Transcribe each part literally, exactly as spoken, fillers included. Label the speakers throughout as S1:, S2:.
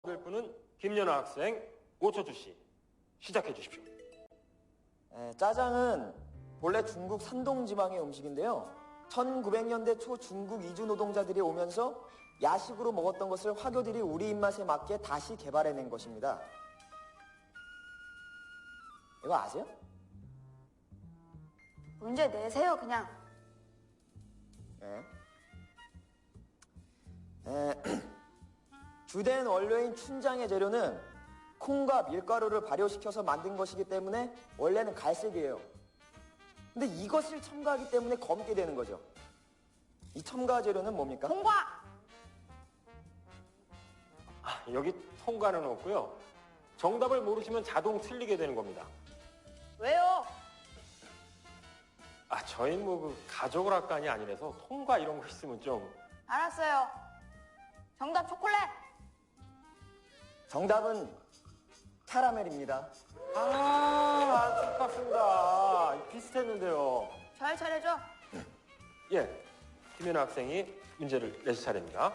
S1: 될 분은 김연아 학생, 오철주 씨. 시작해 주십시오.
S2: 에, 짜장은 본래 중국 산동 지방의 음식인데요. 천구백 년대 초 중국 이주 노동자들이 오면서 야식으로 먹었던 것을 화교들이 우리 입맛에 맞게 다시 개발해낸 것입니다. 이거 아세요?
S3: 문제 내세요, 그냥.
S2: 네. 에, 주된 원료인 춘장의 재료는 콩과 밀가루를 발효시켜서 만든 것이기 때문에 원래는 갈색이에요. 근데 이것을 첨가하기 때문에 검게 되는 거죠. 이 첨가 재료는 뭡니까?
S3: 통과!
S1: 아, 여기 통과는 없고요. 정답을 모르시면 자동 틀리게 되는 겁니다.
S3: 왜요?
S1: 아, 저희 뭐그 가족을 학관이 아니라서 통과 이런 거 있으면 좀.
S3: 알았어요. 정답 초콜릿!
S2: 정답은 캐러멜입니다.
S1: 아, 안타깝습니다. 비슷했는데요.
S3: 잘 차려줘.
S1: 예, 김연아 학생이 문제를 내실 차례입니다.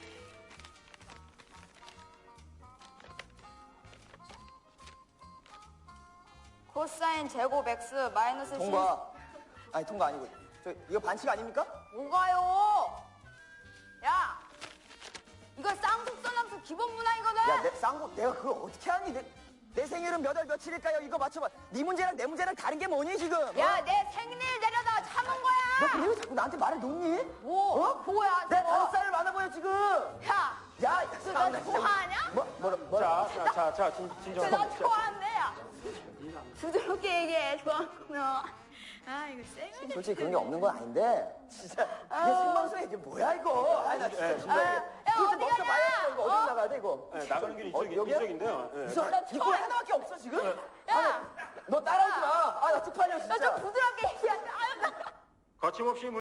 S3: 코사인 제곱 x 마이너스
S2: 통과. 아니 통과 아니고 저 이거 반칙 아닙니까?
S3: 뭐가요? 야! 이거 쌍둥썰랑수 기본 문항이거든?
S2: 야, 내 쌍고 내가 그걸 어떻게 하니? 내, 내 생일은 몇 월 며칠일까요? 이거 맞춰봐. 네 문제랑 내 문제랑 다른 게 뭐니 지금?
S3: 야,
S2: 어?
S3: 내 생일 내려다가 참은
S2: 너
S3: 거야!
S2: 그리고 자꾸 나한테 말을 놓니?
S3: 뭐?
S2: 어?
S3: 뭐야,
S2: 내
S3: 저거?
S2: 다섯 살 많아 보여 지금.
S3: 야!
S2: 야,
S3: 너 나 좋아하냐?
S2: 뭐, 뭐라, 뭐라?
S1: 자, 자, 자, 자, 진, 진정.
S3: 너 좋아한대, 야! 부드럽게 얘기해, 좋아하구나. 아, 이거 쌩.
S2: 솔직히 그런 게 없는 건 아닌데 진짜 이게 생방송에 이게 뭐야 이거? 아니 나 진짜 진짜
S3: 아, 야,
S2: 이거 좀
S3: 어디
S2: 멈춰
S3: 가냐?
S2: 봐야 이거 어디
S3: 어?
S2: 나가야 돼 이거?
S1: 네, 나가는 길이
S2: 어,
S1: 이쪽,
S2: 여기야?
S1: 이쪽인데요. 예.
S2: 이거 이거 하나밖에 없어 지금?
S3: 야!
S2: 너 따라하지 마. 아 나 쪽팔려
S3: 너
S2: 진짜.
S3: 좀 부드럽게 얘기하자. 아유, 나-
S1: 거침없이